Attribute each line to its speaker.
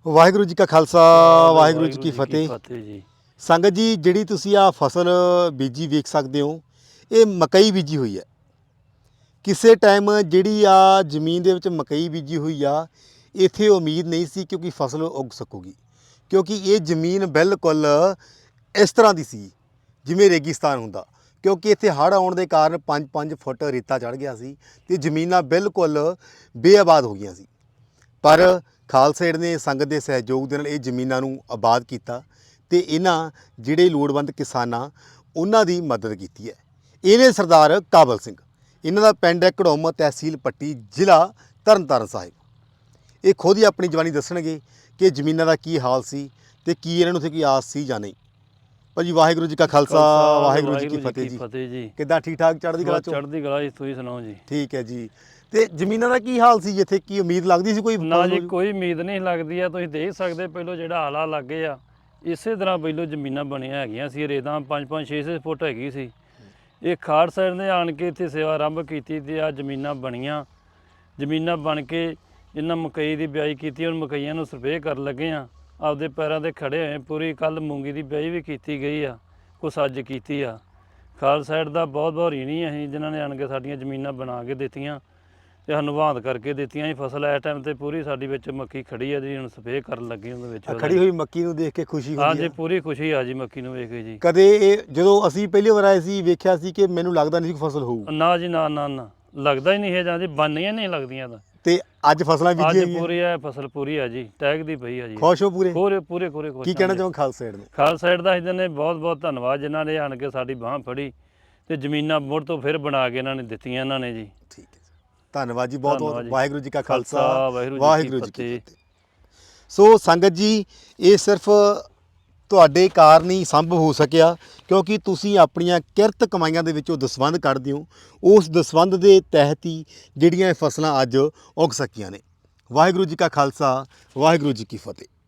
Speaker 1: ਵਾਹਿਗੁਰੂ ਜੀ ਕਾ ਖਾਲਸਾ ਵਾਹਿਗੁਰੂ ਜੀ ਕੀ ਫਤਿਹ।
Speaker 2: ਜੀ।
Speaker 1: ਸੰਗਤ ਜੀ, ਜਿਹੜੀ ਤੁਸੀਂ ਆ ਫਸਲ ਬੀਜੀ ਵੇਖ ਸਕਦੇ ਹੋ, ਇਹ ਮਕਈ ਬੀਜੀ ਹੋਈ ਹੈ। ਕਿਸੇ ਟਾਈਮ ਜਿਹੜੀ ਆ ਜ਼ਮੀਨ ਦੇ ਵਿੱਚ ਮਕਈ ਬੀਜੀ ਹੋਈ ਆ, ਇੱਥੇ ਉਮੀਦ ਨਹੀਂ ਸੀ ਕਿਉਂਕਿ ਫਸਲ ਉੱਗ ਸਕੂਗੀ, ਕਿਉਂਕਿ ਇਹ ਜ਼ਮੀਨ ਬਿਲਕੁਲ ਇਸ ਤਰ੍ਹਾਂ ਦੀ ਸੀ ਜਿਵੇਂ ਰੇਗਿਸਤਾਨ ਹੁੰਦਾ, ਕਿਉਂਕਿ ਇੱਥੇ ਹੜ੍ਹ ਆਉਣ ਦੇ ਕਾਰਨ 5-5 ਫੁੱਟ ਰੇਤਾ ਚੜ੍ਹ ਗਿਆ ਸੀ ਤੇ ਜ਼ਮੀਨਾਂ ਬਿਲਕੁਲ ਬੇਆਬਾਦ ਹੋ ਗਈਆਂ ਸੀ। ਪਰ ਖਾਲਸਾ ਏਡ ਨੇ ਸੰਗਤ ਦੇ ਸਹਿਯੋਗ ਦੇ ਨਾਲ ਇਹ ਜ਼ਮੀਨਾਂ ਨੂੰ ਆਬਾਦ ਕੀਤਾ ਤੇ ਇਹਨਾਂ ਜਿਹੜੇ ਲੋੜਵੰਦ ਕਿਸਾਨਾਂ ਉਹਨਾਂ ਦੀ ਮਦਦ ਕੀਤੀ ਹੈ। ਇਹਨੇ ਸਰਦਾਰ ਕਾਬਲ ਸਿੰਘ, ਇਹਨਾਂ ਦਾ ਪਿੰਡ ਹੈ ਘੜੋਮ, ਤਹਿਸੀਲ ਪੱਟੀ, ਜ਼ਿਲ੍ਹਾ ਤਰਨਤਾਰਨ ਸਾਹਿਬ। ਇਹ ਖੁਦ ਹੀ ਆਪਣੀ ਜਵਾਨੀ ਦੱਸਣਗੇ ਕਿ ਜ਼ਮੀਨਾਂ ਦਾ ਕੀ ਹਾਲ ਸੀ ਤੇ ਕੀ ਇਹਨਾਂ ਨੂੰ ਉੱਥੇ ਕੋਈ ਆਸ ਸੀ ਜਾਂ ਨਹੀਂ। ਭਾਜੀ ਵਾਹਿਗੁਰੂ ਜੀ ਕਾ ਖਾਲਸਾ ਵਾਹਿਗੁਰੂ ਜੀ ਕੀ ਫਤਿਹ ਜੀ। ਕਿੱਦਾਂ ਠੀਕ ਠਾਕ ਚੜ੍ਹਦੀ ਕਲਾ ਚੋਂ?
Speaker 2: ਚੜ੍ਹਦੀ ਕਲਾ ਜੀ, ਤੁਸੀਂ ਸੁਣਾਓ ਜੀ।
Speaker 1: ਠੀਕ ਹੈ ਜੀ। ਤੇ ਜ਼ਮੀਨਾਂ ਦਾ ਕੀ ਹਾਲ ਸੀ ਜਿੱਥੇ, ਕੀ ਉਮੀਦ ਲੱਗਦੀ ਸੀ ਕੋਈ?
Speaker 2: ਨਾ ਜੀ, ਕੋਈ ਉਮੀਦ ਨਹੀਂ ਲੱਗਦੀ ਆ। ਤੁਸੀਂ ਦੇਖ ਸਕਦੇ ਪਹਿਲੋਂ ਜਿਹੜਾ ਹਾਲਾ ਲੱਗੇ ਆ, ਇਸੇ ਤਰ੍ਹਾਂ ਪਹਿਲੋਂ ਜ਼ਮੀਨਾਂ ਬਣੀਆਂ ਹੈਗੀਆਂ ਸੀ। ਰੇਤਾਂ 5-5 6-6 ਫੁੱਟ ਹੈਗੀ ਸੀ। ਇਹ ਖਾੜ ਸਾਈਡ ਨੇ ਆਣ ਕੇ ਇੱਥੇ ਸੇਵਾ ਆਰੰਭ ਕੀਤੀ ਤੇ ਆ ਜ਼ਮੀਨਾਂ ਬਣੀਆਂ। ਜ਼ਮੀਨਾਂ ਬਣ ਕੇ ਇਹਨਾਂ ਮਕਈ ਦੀ ਬਿਜਾਈ ਕੀਤੀ। ਹੁਣ ਮਕਈਆਂ ਨੂੰ ਸਰਵੇ ਕਰਨ ਲੱਗੇ ਆ, ਆਪਦੇ ਪੈਰਾਂ 'ਤੇ ਖੜੇ ਹੋਏ। ਪੂਰੀ ਕੱਲ ਮੂੰਗੀ ਦੀ ਬਿਜਾਈ ਵੀ ਕੀਤੀ ਗਈ ਆ, ਕੁਛ ਅੱਜ ਕੀਤੀ ਆ। ਖਾਲ ਸਾਈਡ ਦਾ ਬਹੁਤ ਬਹੁਤ ਰੀਣੀ ਅਸੀਂ ਜਿਨ੍ਹਾਂ ਨੇ ਆਣ ਕੇ ਸਾਡੀਆਂ ਜ਼ਮੀਨਾਂ ਬਣਾ ਕੇ ਦਿੱਤੀਆਂ ਤੇ ਸਾਨੂੰ ਵਾਹਨ ਕਰਕੇ ਦਿੱਤੀਆਂ ਜੀ। ਫਸਲ ਇਸ ਟਾਈਮ ਤੇ ਪੂਰੀ ਸਾਡੀ ਵਿੱਚ ਮੱਕੀ ਖੜੀ ਆ ਜੀ। ਹੁਣ ਸਪਰੇਅ ਕਰਨ ਲੱਗੇ ਉਹਦੇ ਵਿੱਚ।
Speaker 1: ਖੜੀ ਹੋਈ ਮੱਕੀ ਨੂੰ ਦੇਖ ਕੇ ਖੁਸ਼ੀ ਹੁੰਦੀ ਹੈ?
Speaker 2: ਹਾਂਜੀ, ਪੂਰੀ ਖੁਸ਼ੀ ਆ ਜੀ ਮੱਕੀ ਨੂੰ ਵੇਖ ਕੇ ਜੀ।
Speaker 1: ਕਦੇ ਇਹ ਜਦੋਂ ਅਸੀਂ ਪਹਿਲੀ ਵਾਰ ਆਏ ਸੀ ਵੇਖਿਆ ਸੀ ਕਿ ਮੈਨੂੰ ਲੱਗਦਾ ਨਹੀਂ ਸੀ ਫਸਲ ਹੋਊ।
Speaker 2: ਨਾ ਜੀ, ਨਾ ਨਾ ਨਾ, ਲੱਗਦਾ ਹੀ ਨਹੀਂ ਹੈ। ਜਾਂ ਜੀ ਬਣਨੀਆਂ ਨਹੀਂ ਲੱਗਦੀਆਂ ਤਾਂ।
Speaker 1: ਤੇ ਅੱਜ ਫਸਲਾਂ ਬੀਜੀਆਂ
Speaker 2: ਅੱਜ ਪੂਰੀ ਆ ਫਸਲ, ਪੂਰੀ ਆ ਜੀ, ਟੈਗ ਦੀ ਪਈ ਆ ਜੀ।
Speaker 1: ਖੁਸ਼ ਹੋ ਪੂਰੇ?
Speaker 2: ਪੂਰੇ ਪੂਰੇ ਪੂਰੇ ਖੁਸ਼।
Speaker 1: ਕੀ ਕਹਿਣਾ ਚਾਹੋ ਖਾਲਸਾ ਏਡ ਨੂੰ?
Speaker 2: ਖਾਲਸਾ ਏਡ ਦਾ ਇਹਨਾਂ ਨੇ ਬਹੁਤ ਬਹੁਤ ਧੰਨਵਾਦ, ਜਿਨ੍ਹਾਂ ਨੇ ਆਣ ਕੇ ਸਾਡੀ ਬਾਂਹ ਫੜੀ ਤੇ ਜ਼ਮੀਨਾਂ ਮੁੜ ਤੋਂ ਫਿਰ ਬਣਾ ਕੇ ਇਹਨਾਂ ਨੇ ਦਿੱਤੀਆਂ ਇਹਨਾਂ ਨੇ ਜੀ।
Speaker 1: ਠੀਕ ਹੈ, ਧੰਨਵਾਦ ਜੀ, ਬਹੁਤ ਬਹੁਤ। ਵਾਹਿਗੁਰੂ ਜੀ ਕਾ ਖਾਲਸਾ ਵਾਹਿਗੁਰੂ ਜੀ ਕੀ ਫਤਿਹ। ਸੋ ਸੰਗਤ ਜੀ, ਇਹ ਸਿਰਫ ਤੁਹਾਡੇ ਕਾਰਨ ਹੀ ਸੰਭਵ ਹੋ ਸਕਿਆ ਕਿਉਂਕਿ ਤੁਸੀਂ ਆਪਣੀਆਂ ਕਿਰਤ ਕਮਾਈਆਂ ਦੇ ਵਿੱਚੋਂ ਦਸਵੰਧ ਕੱਢਦੇ ਹੋ। ਉਸ ਦਸਵੰਧ ਦੇ ਤਹਿਤ ਹੀ ਜਿਹੜੀਆਂ ਇਹ ਫਸਲਾਂ ਅੱਜ ਉੱਗ ਸਕੀਆਂ ਨੇ। ਵਾਹਿਗੁਰੂ ਜੀ ਕਾ ਖਾਲਸਾ ਵਾਹਿਗੁਰੂ ਜੀ ਕੀ ਫਤਿਹ।